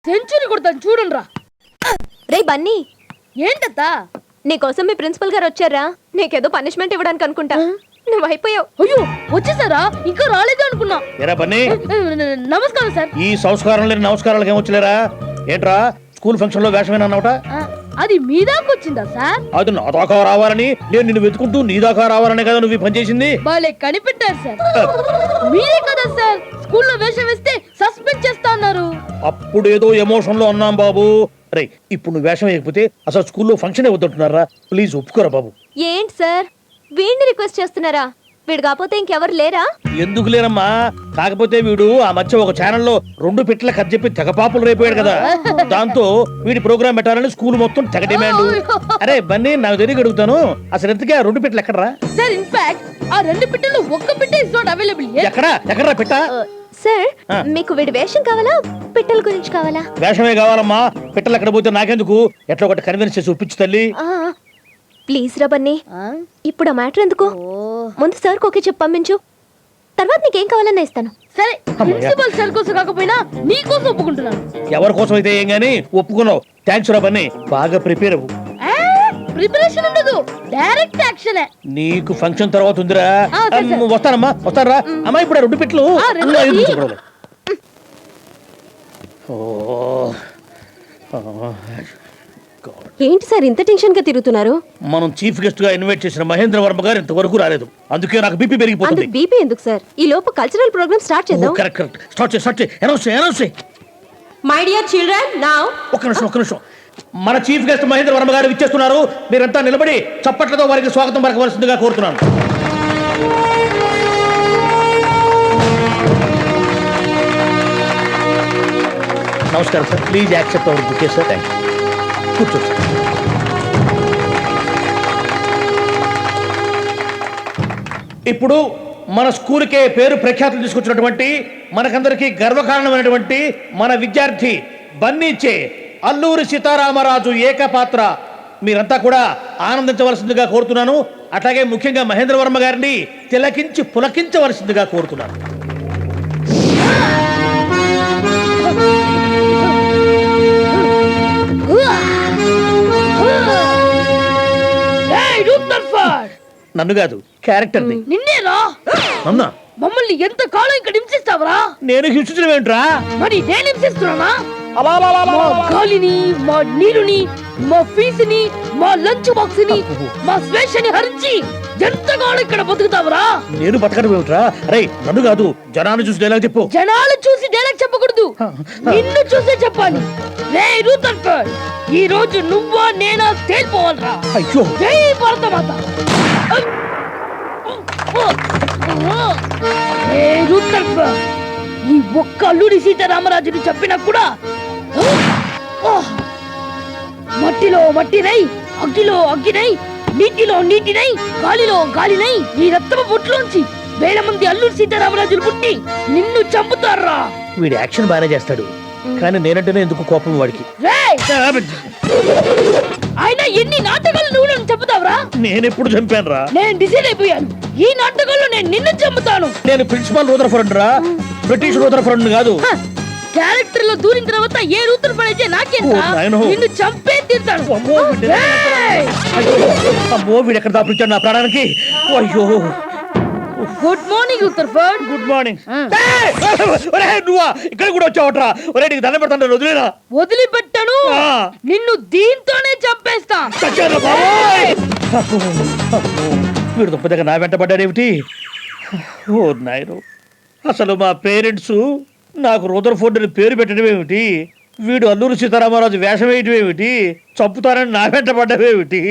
Century కొడతాను చూడండి రా. రే బన్నీ, ఏంటత్తా? నీకోసం మీ ప్రిన్సిపల్ గారు వచ్చారా? నీకేదో పనిష్మెంట్ ఇవ్వడానికి అనుకుంటా. నువ్వు అయిపోయావు. అయ్యో వచ్చేసారా? ఇంకా రాలేదు అనుకున్నా. ఎరా బన్నీ, నమస్కారం సార్. ఈ సంస్కారం లేని నమస్కారాలకు ఏమొచ్చలేరా? ఏంట్రా స్కూల్ ఫంక్షన్ లో వేషమేనా అన్నమాట? అది మీ దాకా వచ్చిందా సార్? అది నా దాకా రావాలని, నేను నిన్ను వెతుకుంటూ నీ దాకా రావాలనే కదా నువ్వు పని చేసింది. బాలే కనిపెట్టారు సార్. మీరే కదా సార్ స్కూల్లో వేషం వేస్తే సస్పెండ్ చేస్తా అన్నారు. అప్పుడేదో ఎమోషన్ లో అన్నాం బాబు. రే ఇప్పుడు నువ్వు వేషం వేయకపోతే అసలు స్కూల్లో ఫంక్షన్ వద్దంటున్నారా? ప్లీజ్ ఒప్పుకోరా బాబు. ఏంటి సార్ వీడిని రిక్వెస్ట్ చేస్తున్నారా? వీడు కాకపోతే ఇంకెవరు లేరా? ఎందుకు లేరమ్మా, కాకపోతే వీడు ఆ మధ్య ఒక ఛానల్లో 2 పిట్ల కథ చెప్పి తెగ పాపులు రైపోయాడు కదా. దాంతో వీడి ప్రోగ్రామ్ పెట్టాలని స్కూల్ మొత్తం తెగ డిమాండ్. అరే బన్నీ, నాకు తెలియక అడుగుతాను, అసలు ఎంతకీ ఆ 2 పిట్టలు ఎక్కడరా? సార్ ఇన్ఫాక్ట్ ఆ 2 పిట్టలు ఒక్క పిట్ట ఇస్ నాట్ అవైలబుల్. ఎక్కడా పిట్ట? సార్ మీకు వీడి వేషం కావాలా, పిట్టల గురించి కావాలా? వేషమే కావాలమ్మా, పిట్టలు ఎక్కడ పోతే నాకెందుకు, ఎట్లా ఒకటి కన్విన్స్ చేసి ఒప్పించు తల్లి. ప్లీజ్ రా బన్నీ, ఇప్పుడు ఆ మ్యాటర్ ఎందుకు? ముందు సార్ ఓకే చెప్పి పంపించు, తర్వాత నీకేం కావాలన్నా ఇస్తాను. సరే ప్రిన్సిపల్ సార్ కోసం కాకపోయినా నీ కోసం ఒప్పుకుంటున్నాను. ఎవరి కోసం అయితే ఏం గానీ ఒప్పుకున్నావు. థ్యాంక్స్ రా బన్నీ, బాగా ప్రిపేర్ అవ్వు. ప్రిపరేషన్ ఉండదు, డైరెక్ట్ యాక్షన్. నీకు ఫంక్షన్ తర్వాత ఉందిరా. వస్తానమ్మా, వస్తారా అమ్మా. ఇప్పుడు 2 పిట్లు. ఏంటి సార్ ఇంత టెన్షన్ గా తిరుగుతున్నారు? మనం చీఫ్ గెస్ట్ గా ఇన్వైట్ చేసిన మహేంద్ర వర్మ గారు ఇంతవరకు రాలేదు, అందుకే నాకు బీపీ పెరిగిపోతుంది. బీపీ ఎందుకు సార్, ఈ లోపు కల్చరల్ ప్రోగ్రామ్ స్టార్ట్ చేద్దాం. కరెక్ట్, స్టార్ట్ చేయి. అనౌన్స్ చేయి. మై డియర్ చిల్డ్రన్, నౌ ఒక్క నిమిషం. మన చీఫ్ గెస్ట్ మహేంద్ర వర్మ గారు విచ్చేస్తున్నారు. మీరంతా నిలబడి చప్పట్లతో వారికి స్వాగతం పలకవలసిందిగా కోరుతున్నాను. నమస్కారం sir, please accept our bouquet sir. Thank you. కూర్చోండి సార్. ఇప్పుడు మన స్కూల్కే పేరు ప్రఖ్యాతులు తీసుకొచ్చినటువంటి, మనకందరికీ గర్వకారణమైనటువంటి మన విద్యార్థి బన్నీచే అల్లూరి సీతారామరాజు ఏకపాత్ర మీరంతా కూడా ఆనందించవలసిందిగా కోరుతున్నాను. అట్లాగే ముఖ్యంగా మహేంద్ర వర్మ గారిని తిలకించి పులకించవలసిందిగా కోరుతున్నాను. నన్ను కాదు, క్యారెక్టర్ నిన్నేరా? నన్నా? మమ్మల్ని ఎంత కాలం ఇక్కడ హింసిస్తావరా? నేను హింసించడం ఏంట్రా? మరి నేను హింసిస్తున్నానా? మా గాలిని, మా నీరుని, మా ఫీజుని, మా లంచ్ బాక్స్ ని, మా స్వేచ్ఛని హరించి ఎంతకాలం ఇక్కడ బతుకుతావరా? నేను బతకడం ఏమిట్రా? అరే నన్ను కాదు, జనాన్ని చూసి డైలాగ్ చెప్పు. జనాలు చూసి డైలాగ్ చెప్పకూడదు, నిన్ను చూసే చెప్పాలి. రే రూతర్ఫర్డ్, ఈ రోజు నువ్వా నేనా తేలిపోవాలరా. అయ్యో, జై భారతమాత. రే రూతర్ఫర్డ్, ఈ ఒక్క అల్లూరి సీతారామరాజుని చెప్పినా కూడా మట్టిలో మట్టినై, అగ్గిలో అగ్గినై, నీటిలో నీటినై, గాలిలో గాలినై, ఈ రక్తపు బొట్టులోంచి వేల మంది అల్లూరి సీతారామరాజులు పుట్టి నిన్ను చంపుతారా. వీడి యాక్షన్ బాగానే చేస్తాడు, కానీ నేనంటేనే ఎందుకు కోపం వాడికి. ఆయన ఎన్ని నాటకాలు నువ్వు నన్ను చంపుతావరా? నేనెప్పుడు చంపాను రా? నేను డిసైడ్ అయిపోయాను, ఈ నాటకాల్లో నేను నిన్ను చంపుతాను. నేను ప్రిన్సిపాల్ రూదర్ఫర్డ్ రా, బ్రిటిష్ రూదర్ఫర్డ్ కాదు. క్యారెక్టర్ లో దూరిన తర్వాత ఏ రూదర్ఫర్డ్ అయితే నాకేం? నిన్ను చంపే తీర్తాను. అమ్మో, వీడు ఎక్కడ దాపించాడు నా ప్రాణానికి. అయ్యో. Good morning Rutherford. Good morning. నువ్వా ఇక్కడ కూడా వచ్చావట్రా? ఒరే నీకు దండం పెడతాను, వదిలేనా? వదిలిపెట్టను, నిన్ను దీంతోనే చంపేస్తా. వీడు దుప్ప దగ్గర నా వెంట పడ్డాడేమిటి? ఓ నాయను, అసలు మా పేరెంట్స్ నాకు రూదర్ఫోర్డ్ అని పేరు పెట్టడం ఏమిటి? వీడు అల్లూరి సీతారామరాజు వేషం వేయటం ఏమిటి? చంపుతారని నా వెంట పడ్డవేమిటి?